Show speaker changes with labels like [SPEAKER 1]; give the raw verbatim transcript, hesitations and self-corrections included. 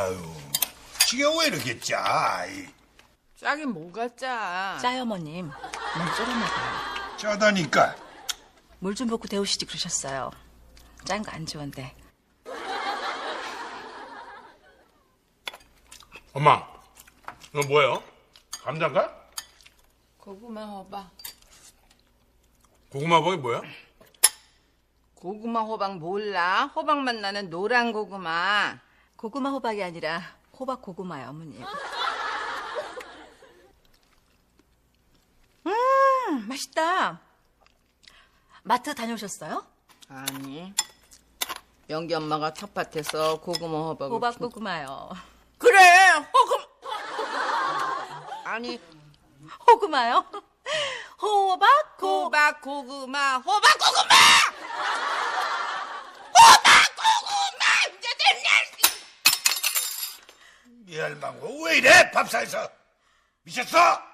[SPEAKER 1] 아유, 지금 왜 이렇게 짜? 이,
[SPEAKER 2] 짜긴 뭐가 짜?
[SPEAKER 3] 짜요, 어머님. 너무 쫄았나봐요.
[SPEAKER 1] 짜다니까.
[SPEAKER 3] 물 좀 붓고 데우시지 그러셨어요. 짠 거 안 좋은데.
[SPEAKER 4] 엄마, 이거 뭐예요? 감자인가?
[SPEAKER 2] 고구마 호박.
[SPEAKER 4] 고구마 버이 뭐야?
[SPEAKER 2] 고구마 호박 몰라? 호박맛 나는 노란 고구마.
[SPEAKER 3] 고구마 호박이 아니라 호박 고구마요, 어머님. 음, 맛있다. 마트 다녀오셨어요?
[SPEAKER 2] 아니. 영기 엄마가 텃밭에서 고구마 호박을
[SPEAKER 3] 호박
[SPEAKER 2] 키-
[SPEAKER 3] 고구마요.
[SPEAKER 2] 그래 호금 아니
[SPEAKER 3] 호구마요? 호박 고...
[SPEAKER 2] 호박 고구마 호박 고구마 호박 고구마 이제 됐네.
[SPEAKER 1] 이 할망구 왜 이래? 밥상에서 미쳤어?